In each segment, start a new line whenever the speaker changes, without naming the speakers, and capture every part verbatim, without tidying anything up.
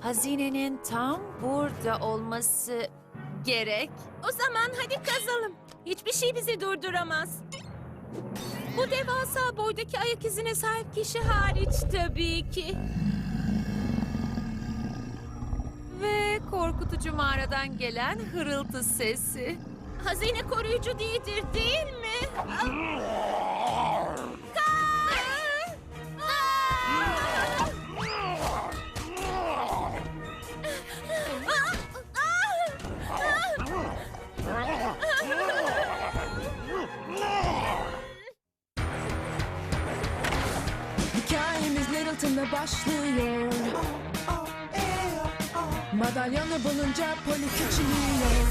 Hazinenin tam burada olması gerek.
O zaman hadi kazalım. Hiçbir şey bizi durduramaz. Bu devasa boydaki ayak izine sahip kişi hariç tabii ki.
Ve korkutucu mağaradan gelen hırıltı sesi.
Hazine koruyucu değildir, değil mi?
Hikayemiz Littleton'da başlıyor. Madalyonu bulunca Polly küçülüyor.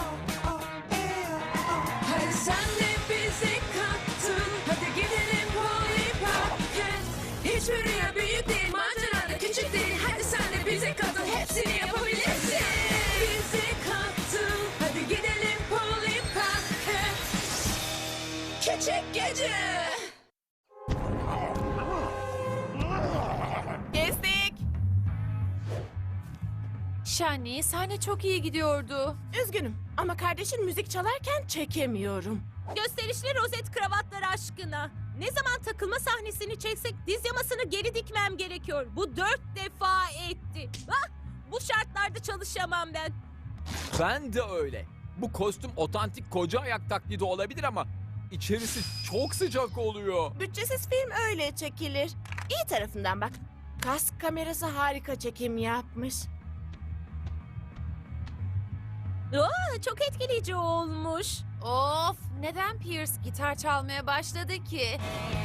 Hadi sen de bizi kattın. Hadi gidelim Polly Pocket. Hiçbir rüya büyük değil, macera da küçük değil. Hadi sen de bizi katıl, hepsini yapabilirsin. Bizi kattın. Hadi gidelim Polly Pocket. Küçük gece.
Kestik.
Shani, sahne çok iyi gidiyordu.
Üzgünüm ama kardeşin müzik çalarken çekemiyorum.
Gösterişli rozet kravatlar aşkına. Ne zaman takılma sahnesini çeksek diz yamasını geri dikmem gerekiyor. Bu dört defa etti. Ah, bu şartlarda çalışamam ben.
Ben de öyle. Bu kostüm otantik koca ayak taklidi olabilir ama içerisi çok sıcak oluyor.
Bütçesiz film öyle çekilir. İyi tarafından bak. Kask kamerası harika çekim yapmış.
Aa, çok etkileyici olmuş.
Of, neden Pierce gitar çalmaya başladı ki?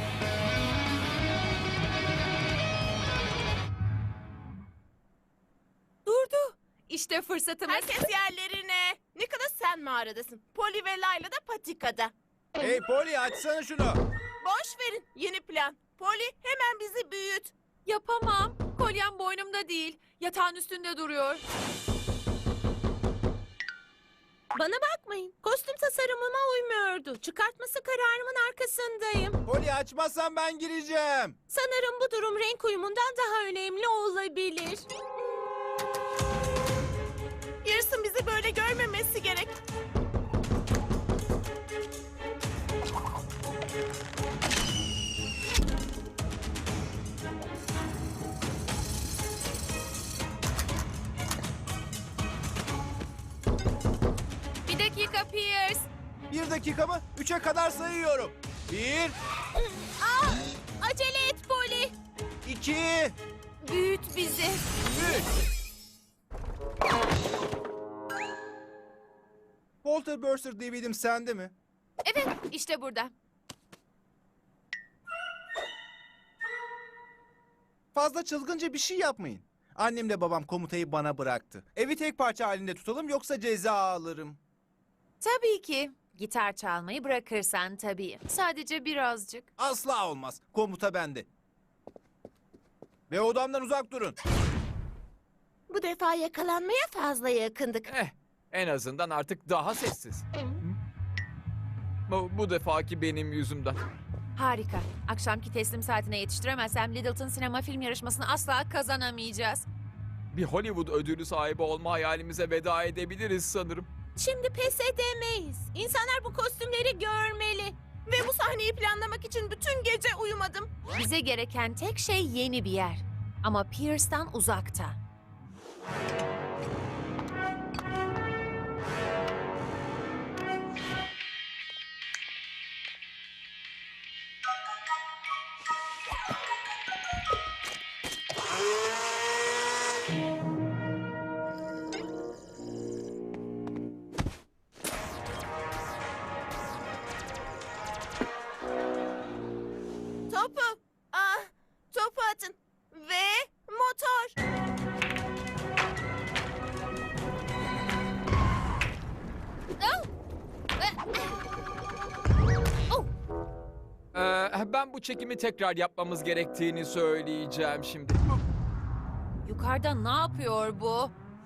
Durdu. İşte fırsatımız.
Herkes yerlerine. Nicholas sen mağaradasın. Polly ve Layla da patikada.
Hey Polly, açsana şunu.
Boş verin. Yeni plan. Polly hemen bizi büyüt.
Yapamam. Kolyem boynumda değil. Yatağın üstünde duruyor.
Bana bakmayın. Kostüm tasarımıma uymuyordu. Çıkartması kararımın arkasındayım.
Polly, açmazsan ben gireceğim.
Sanırım bu durum renk uyumundan daha önemli olabilir.
Pearson bizi böyle görmemesi gerek.
Bir dakika Pierce.
Bir dakika mı? Üçe kadar sayıyorum. Bir,
Aa, acele et Polly.
iki,
Büyüt bizi.
üç. Walter Burster D V D'm sende mi?
Evet, işte burada.
Fazla çılgınca bir şey yapmayın. Annemle babam komutayı bana bıraktı. Evi tek parça halinde tutalım yoksa ceza alırım.
Tabii ki. Gitar çalmayı bırakırsan tabii. Sadece birazcık.
Asla olmaz. Komuta bende. Ve odamdan uzak durun.
Bu defa yakalanmaya fazla yakındık.
Eh, en azından artık daha sessiz. Bu, bu defaki benim yüzümden.
Harika. Akşamki teslim saatine yetiştiremezsem Littleton sinema film yarışmasını asla kazanamayacağız.
Bir Hollywood ödülü sahibi olma hayalimize veda edebiliriz sanırım.
Şimdi pes edemeyiz. İnsanlar bu kostümleri görmeli.
Ve bu sahneyi planlamak için bütün gece uyumadım.
Bize gereken tek şey yeni bir yer. Ama Pierce'dan uzakta.
Topu. Ah, topu atın. Ve motor.
Ee, ben bu çekimi tekrar yapmamız gerektiğini söyleyeceğim şimdi.
Yukarıda ne yapıyor bu?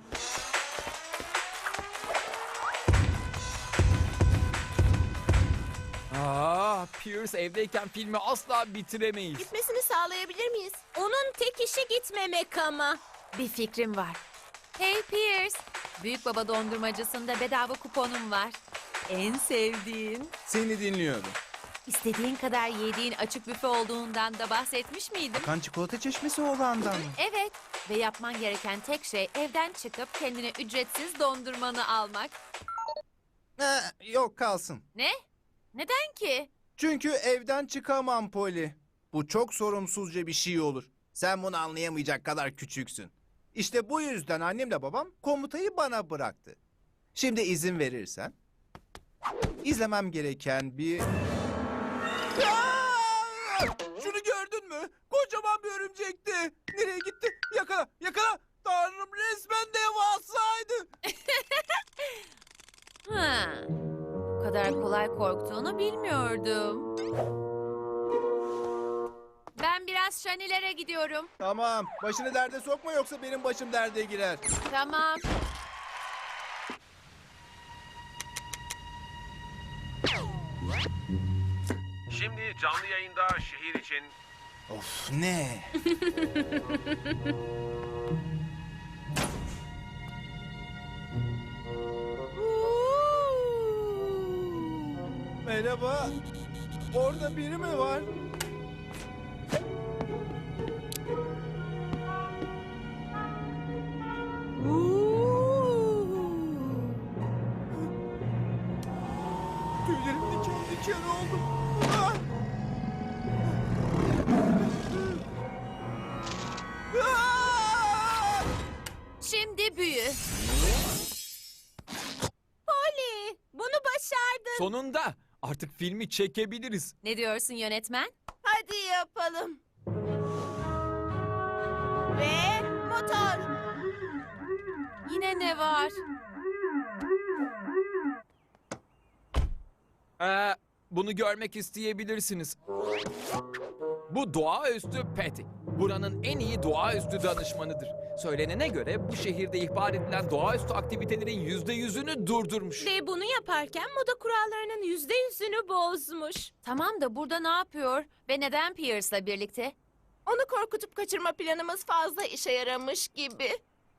Aa, Pierce evdeyken filmi asla bitiremeyiz.
Gitmesini sağlayabilir miyiz?
Onun tek işi gitmemek ama.
Bir fikrim var. Hey Pierce, Büyük Baba dondurmacısında bedava kuponum var. En sevdiğin,
Seni dinliyorum.
istediğin kadar yediğin açık büfe olduğundan da bahsetmiş miydim?
Kan çikolata çeşmesi olandan mı?
Evet ve yapman gereken tek şey evden çıkıp kendine ücretsiz dondurmanı almak.
Ha, yok kalsın.
Ne? Neden ki?
Çünkü evden çıkamam Poli. Bu çok sorumsuzca bir şey olur. Sen bunu anlayamayacak kadar küçüksün. İşte bu yüzden annemle babam komutayı bana bıraktı. Şimdi izin verirsen izlemem gereken bir... Aa! Şunu gördün mü? Kocaman bir örümcekti. Nereye gitti? Yakala, yakala. Tanrım, resmen devasaydı.
Ha. Bu kadar kolay korktuğunu bilmiyordum. Ben biraz şanilere gidiyorum.
Tamam, başını derde sokma yoksa benim başım derde girer.
Tamam.
Şimdi canlı yayında şehir için
Of, ne? Merhaba. Orada biri mi var? Tüylerim diken diken oldu. Ah! Ah!
Şimdi büyü.
Polly, bunu başardın.
Sonunda artık filmi çekebiliriz.
Ne diyorsun yönetmen?
Hadi yapalım. Ve motor.
Yine ne var?
Ee, bunu görmek isteyebilirsiniz. Bu doğaüstü Patty. Buranın en iyi doğaüstü danışmanıdır. Söylenene göre bu şehirde ihbar edilen doğaüstü aktivitelerin yüzde yüzünü durdurmuş.
Ve bunu yaparken moda kurallarının yüzde yüzünü bozmuş.
Tamam da burada ne yapıyor ve neden Pierce'la birlikte?
Onu korkutup kaçırma planımız fazla işe yaramış gibi.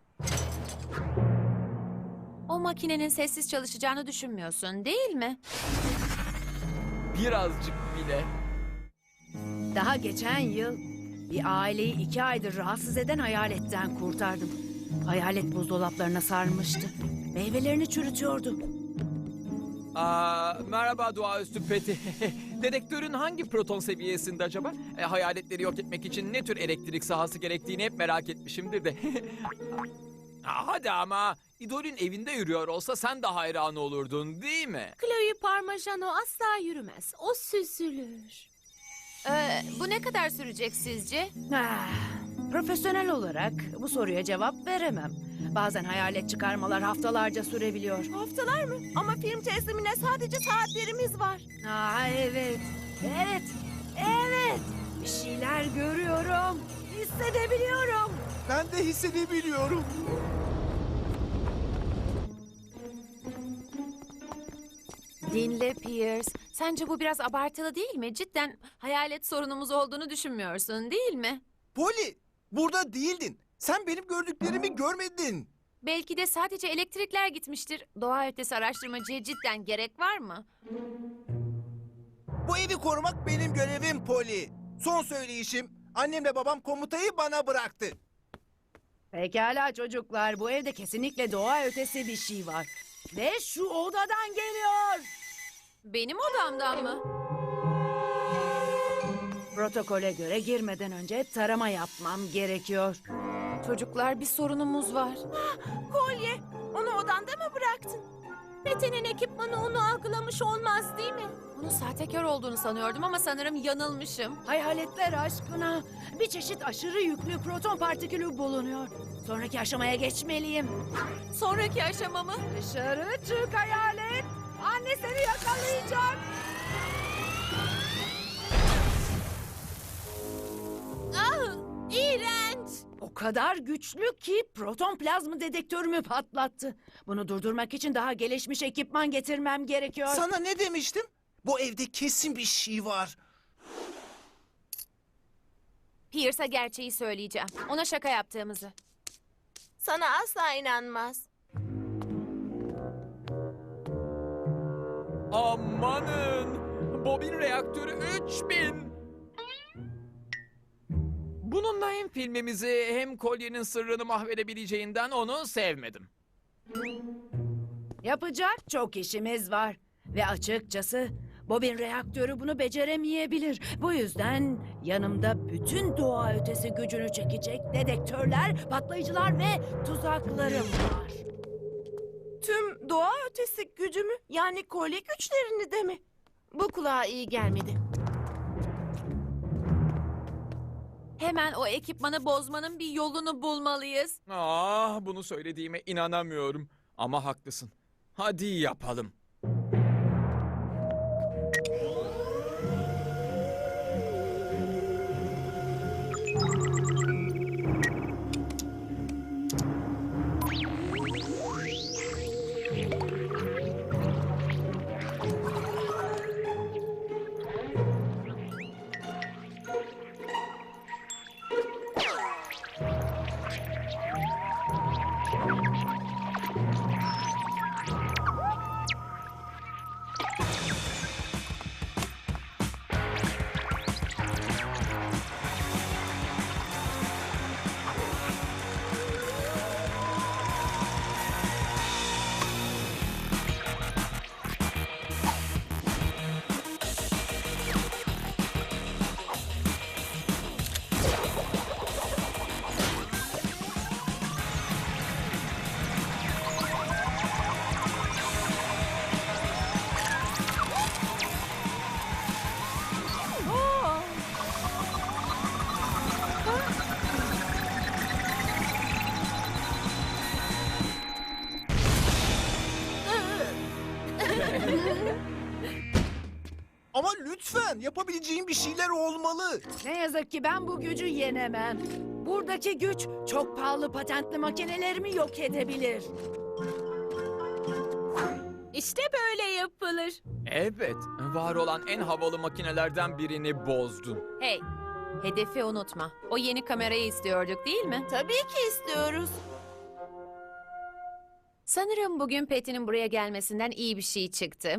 O makinenin sessiz çalışacağını düşünmüyorsun, değil mi?
Birazcık bile.
Daha geçen yıl bir aileyi iki aydır rahatsız eden hayaletten kurtardım. Hayalet buzdolaplarına sarmıştı. Meyvelerini çürütüyordu.
Aa, merhaba doğaüstü Patty. Dedektörün hangi proton seviyesinde acaba? E, hayaletleri yok etmek için ne tür elektrik sahası gerektiğini hep merak etmişimdir de. Aa, hadi ama idolün evinde yürüyor olsa sen de hayran olurdun değil mi?
Chloe Parmigiano asla yürümez. O süzülür.
Ee, bu ne kadar sürecek sizce?
Ah, profesyonel olarak bu soruya cevap veremem. Bazen hayalet çıkarmalar haftalarca sürebiliyor.
Haftalar mı? Ama film teslimine sadece saatlerimiz var.
Aa, evet, evet, evet. Bir şeyler görüyorum, hissedebiliyorum.
Ben de hissedebiliyorum.
Dinle Pierce. Sence bu biraz abartılı değil mi? Cidden hayalet sorunumuz olduğunu düşünmüyorsun, değil mi?
Poli, burada değildin. Sen benim gördüklerimi görmedin.
Belki de sadece elektrikler gitmiştir. Doğa ötesi araştırmacıya cidden gerek var mı?
Bu evi korumak benim görevim Poli. Son söyleyişim, annemle babam komutayı bana bıraktı.
Pekala çocuklar, bu evde kesinlikle doğa ötesi bir şey var. Ve şu odadan geliyor.
Benim odamdan mı?
Protokole göre girmeden önce tarama yapmam gerekiyor.
Çocuklar bir sorunumuz var.
Kolye, onu odanda mı bıraktın? Pete'nin ekipmanı onu algılamış olmaz değil mi?
Bunun sahtekar olduğunu sanıyordum ama sanırım yanılmışım.
Hayaletler aşkına bir çeşit aşırı yüklü proton partikülü bulunuyor. Sonraki aşamaya geçmeliyim.
Sonraki aşamamı.
Dışarı çık hayalet. Anne seni yakalayacak.
Ah, iğrenç.
O kadar güçlü ki proton plazma dedektörümü patlattı. Bunu durdurmak için daha gelişmiş ekipman getirmem gerekiyor.
Sana ne demiştim? Bu evde kesin bir şey var.
Pierce'a gerçeği söyleyeceğim. Ona şaka yaptığımızı.
Sana asla inanmaz.
Amanın! Bobin reaktörü üç bin! Bununla hem filmimizi hem kolyenin sırrını mahvedebileceğinden onu sevmedim.
Yapacak çok işimiz var. Ve açıkçası bobin reaktörü bunu beceremeyebilir. Bu yüzden yanımda bütün doğa ötesi gücünü çekecek dedektörler, patlayıcılar ve tuzaklarım var.
Tüm doğa ötesi gücümü, yani kolye güçlerini de mi? Bu kulağa iyi gelmedi.
Hemen o ekipmanı bozmanın bir yolunu bulmalıyız.
Ah, bunu söylediğime inanamıyorum. Ama haklısın. Hadi yapalım.
Ama lütfen yapabileceğin bir şeyler olmalı.
Ne yazık ki ben bu gücü yenemem. Buradaki güç çok pahalı patentli makinelerimi yok edebilir.
İşte böyle yapılır.
Evet, var olan en havalı makinelerden birini bozdun.
Hey, hedefi unutma. O yeni kamerayı istiyorduk değil mi?
Tabii ki istiyoruz.
Sanırım bugün Patty'nin buraya gelmesinden iyi bir şey çıktı.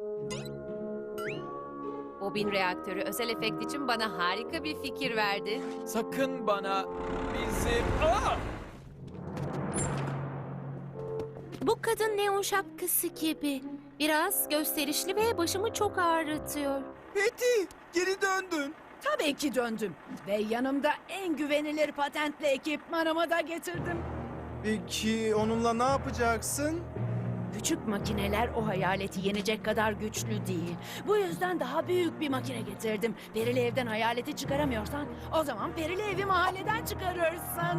Bobin reaktörü özel efekt için bana harika bir fikir verdi.
Sakın bana bizim... Aa!
Bu kadın neon şapkası gibi. Biraz gösterişli ve başımı çok ağrıtıyor.
Betty, geri döndün.
Tabii ki döndüm. Ve yanımda en güvenilir patentli ekipmanımı da getirdim.
Peki onunla ne yapacaksın?
Küçük makineler o hayaleti yenecek kadar güçlü değil. Bu yüzden daha büyük bir makine getirdim. Perili evden hayaleti çıkaramıyorsan o zaman perili evi mahalleden çıkarırsın.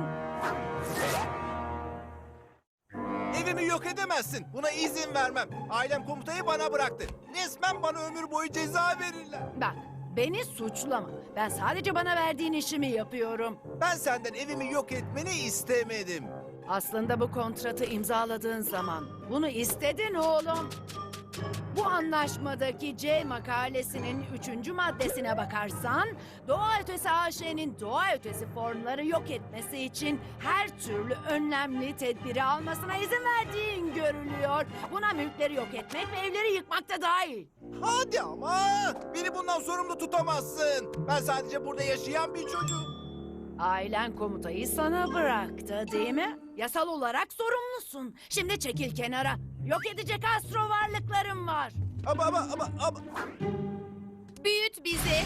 Evimi yok edemezsin. Buna izin vermem. Ailem komutayı bana bıraktı. Resmen bana ömür boyu ceza verirler.
Bak, beni suçlama. Ben sadece bana verdiğin işimi yapıyorum.
Ben senden evimi yok etmeni istemedim.
Aslında bu kontratı imzaladığın zaman bunu istedin oğlum. Bu anlaşmadaki C makalesinin üçüncü maddesine bakarsan, doğa ötesi A Ş'nin doğa ötesi formları yok etmesi için her türlü önlemli tedbiri almasına izin verdiğin görülüyor. Buna mülkleri yok etmek ve evleri yıkmak da dahil.
Hadi ama. Beni bundan sorumlu tutamazsın. Ben sadece burada yaşayan bir çocuğum.
Ailen komutayı sana bıraktı değil mi? Yasal olarak sorumlusun. Şimdi çekil kenara. Yok edecek astro varlıklarım var.
Ama ama ama ama.
Büyüt bizi.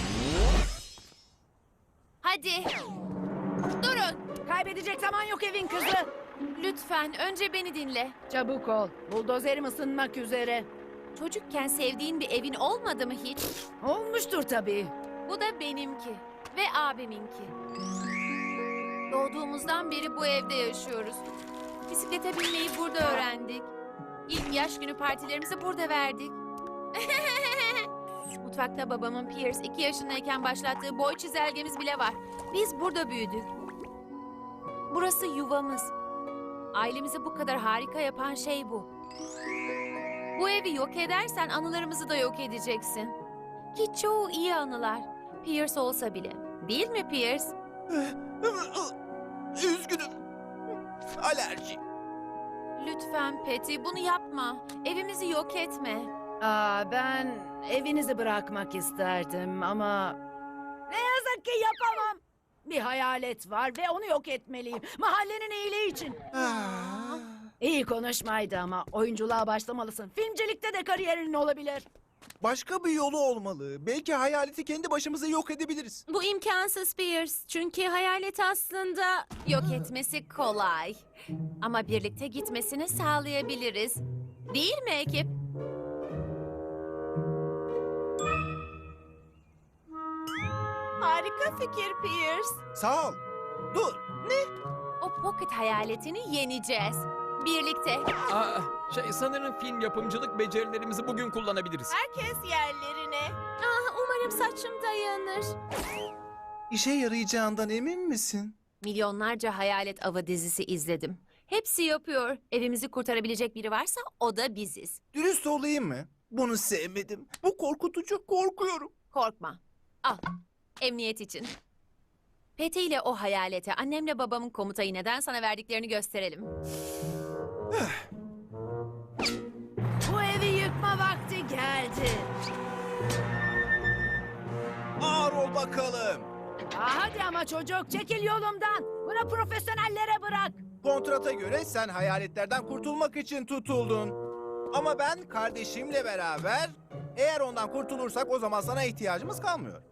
Hadi. Durun.
Kaybedecek zaman yok evin kızı.
Lütfen önce beni dinle.
Çabuk ol. Buldozerim ısınmak üzere.
Çocukken sevdiğin bir evin olmadı mı hiç?
Olmuştur tabii.
Bu da benimki ve abiminki. Doğduğumuzdan beri bu evde yaşıyoruz. Bisiklete binmeyi burada öğrendik. İlk yaş günü partilerimizi burada verdik. Mutfakta babamın Pierce iki yaşındayken başlattığı boy çizelgemiz bile var. Biz burada büyüdük. Burası yuvamız. Ailemizi bu kadar harika yapan şey bu. Bu evi yok edersen anılarımızı da yok edeceksin. Ki çoğu iyi anılar. Pierce olsa bile. Değil mi Pierce?
Üzgünüm. Alerji.
Lütfen Patty bunu yapma. Evimizi yok etme.
Aa, ben evinizi bırakmak isterdim ama ne yazık ki yapamam. Bir hayalet var ve onu yok etmeliyim. Mahallenin iyiliği için.
Ah.
İyi konuşmaydı ama oyunculuğa başlamalısın. Filmcilikte de kariyerin olabilir.
Başka bir yolu olmalı. Belki hayaleti kendi başımıza yok edebiliriz.
Bu imkansız Pierce. Çünkü hayalet aslında...
Yok etmesi kolay. Ama birlikte gitmesini sağlayabiliriz. Değil mi ekip?
Harika fikir Pierce.
Sağ ol. Dur.
O pocket hayaletini yeneceğiz. Birlikte.
Aa, şey sanırım film yapımcılık becerilerimizi bugün kullanabiliriz.
Herkes yerlerine.
Ah, umarım saçım dayanır.
İşe yarayacağından emin misin?
Milyonlarca hayalet avı dizisi izledim. Hepsi yapıyor. Evimizi kurtarabilecek biri varsa o da biziz.
Dürüst olayım mı? Bunu sevmedim. Bu korkutucu. Korkuyorum.
Korkma. Al. Emniyet için. Pete ile o hayalete annemle babamın komutayı neden sana verdiklerini gösterelim.
Bu evi yıkma vakti geldi.
Ağır ol bakalım.
Aa, hadi ama çocuk çekil yolumdan. Bunu profesyonellere bırak.
Kontrata göre sen hayaletlerden kurtulmak için tutuldun. Ama ben kardeşimle beraber eğer ondan kurtulursak o zaman sana ihtiyacımız kalmıyor.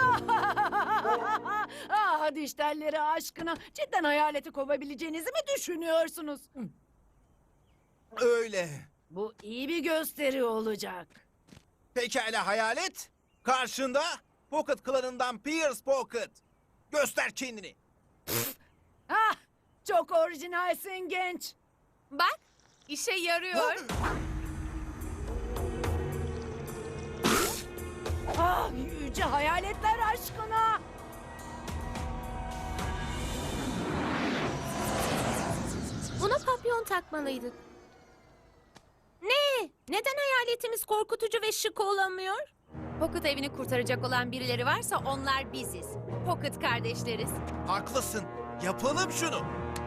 ah, dişlerleri aşkına. Cidden hayaleti kovabileceğinizi mi düşünüyorsunuz?
Öyle.
Bu iyi bir gösteri olacak.
Pekala hayalet. Karşında Pocket klanından Pierce Pocket. Göster kendini.
Ah, çok orijinalsin genç.
Bak, işe yarıyor.
Ah, yüce hayaletler aşkına.
Buna papyon takmalıydık. Ne? Neden hayaletimiz korkutucu ve şık olamıyor?
Pocket evini kurtaracak olan birileri varsa onlar biziz. Pocket kardeşleriz.
Haklısın. Yapalım şunu.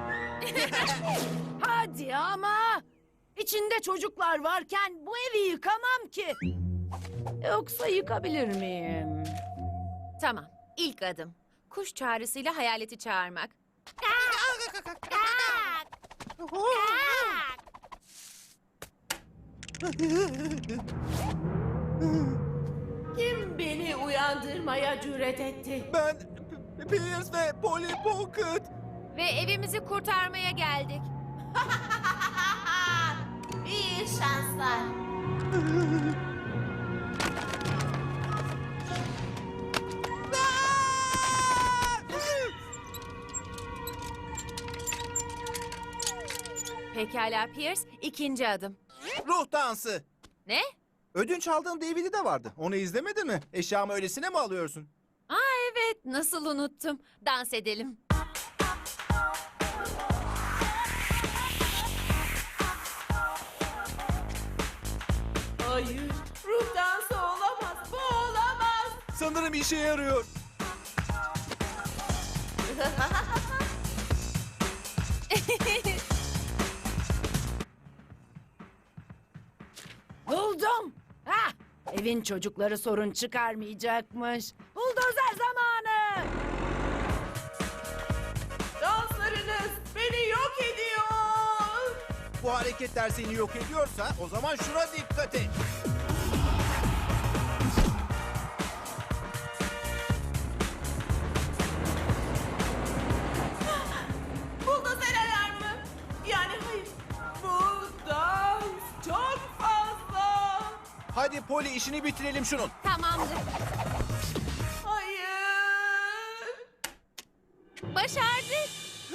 Hadi ama. İçinde çocuklar varken bu evi yıkamam ki. Yoksa yıkabilir miyim?
Tamam, ilk adım. Kuş çağrısıyla hayaleti çağırmak.
Kim beni uyandırmaya cüret etti?
Ben P- Pierce ve Polly Pocket.
Ve evimizi kurtarmaya geldik.
İyi şanslar.
Pekala Pierce, ikinci adım.
Ruh dansı.
Ne?
Ödünç aldığım D V D de vardı. Onu izlemedin mi? Eşyamı öylesine mi alıyorsun?
Aa evet, nasıl unuttum. Dans edelim.
Hayır. Ruh dansı olamaz. Bu olamaz.
Sanırım işe yarıyor.
Buldum. Hah, evin çocukları sorun çıkarmayacakmış. Buldozer zamanı.
Danslarınız beni yok ediyor.
Bu hareketler seni yok ediyorsa o zaman şuna dikkat et.
Buldozer alarmı. Yani hayır. Bu dans çok fazla.
Hadi Polly işini bitirelim şunun.
Tamamdır.
Hayır.
Başardık.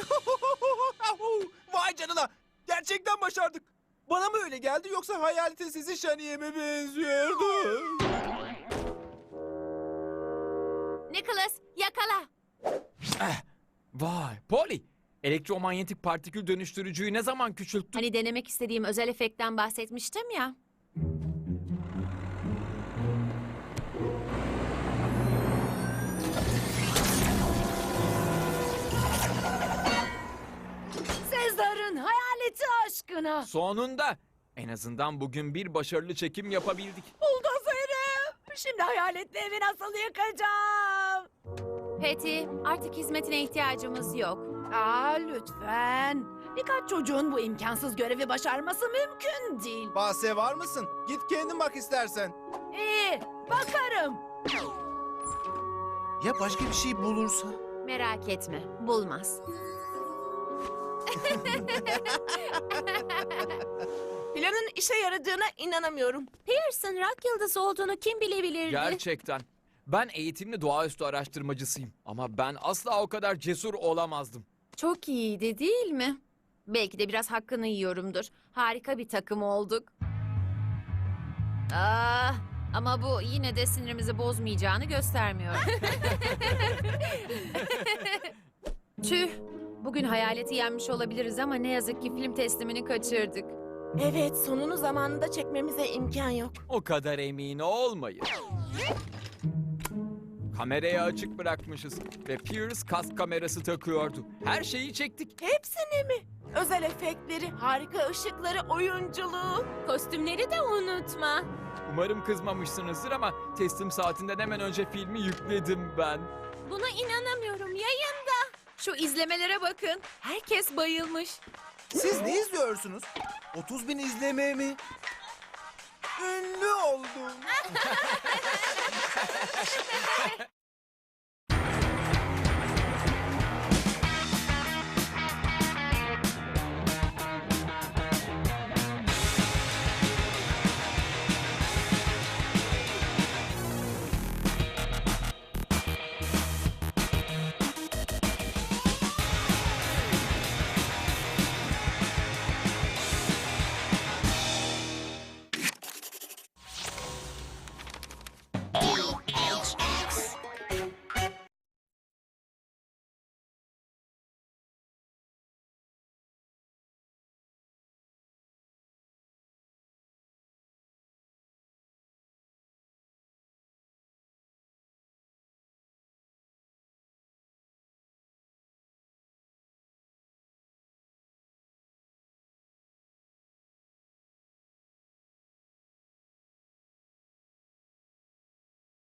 Vay canına. Gerçekten başardık. Bana mı öyle geldi yoksa hayaletin sesi Şaniye mi benziyordu?
Nicholas, yakala.
Eh, vay, Polly. Elektromanyetik partikül dönüştürücüyü ne zaman küçülttün?
Hani denemek istediğim özel efektten bahsetmiştim ya.
Siz de bana.
Sonunda. En azından bugün bir başarılı çekim yapabildik.
Buldozerim. Şimdi hayaletli evi nasıl yıkacağım?
Patty, artık hizmetine ihtiyacımız yok.
Aa lütfen. Birkaç çocuğun bu imkansız görevi başarması mümkün değil.
Bahse var mısın? Git kendin bak istersen.
İyi, bakarım.
Ya başka bir şey bulursa?
Merak etme, bulmaz.
Planın işe yaradığına inanamıyorum.
Pearson rock yıldızı olduğunu kim bilebilirdi?
Gerçekten. Ben eğitimli doğaüstü araştırmacısıyım. Ama ben asla o kadar cesur olamazdım.
Çok iyiydi değil mi? Belki de biraz hakkını yiyorumdur. Harika bir takım olduk. Ah, ama bu yine de sinirimizi bozmayacağını göstermiyor. Tüh, bugün hayaleti yenmiş olabiliriz ama ne yazık ki film teslimini kaçırdık.
Evet, sonunu zamanında çekmemize imkan yok.
O kadar emin olmayın. Kamerayı açık bırakmışız ve Pierce kask kamerası takıyordu. Her şeyi çektik.
Hepsini mi? Özel efektleri, harika ışıkları, oyunculuğu.
Kostümleri de unutma.
Umarım kızmamışsınızdır ama teslim saatinden hemen önce filmi yükledim ben.
Buna inanamıyorum. Yayında.
Şu izlemelere bakın. Herkes bayılmış.
Siz ne izliyorsunuz? otuz bin izleme mi? Ünlü oldum.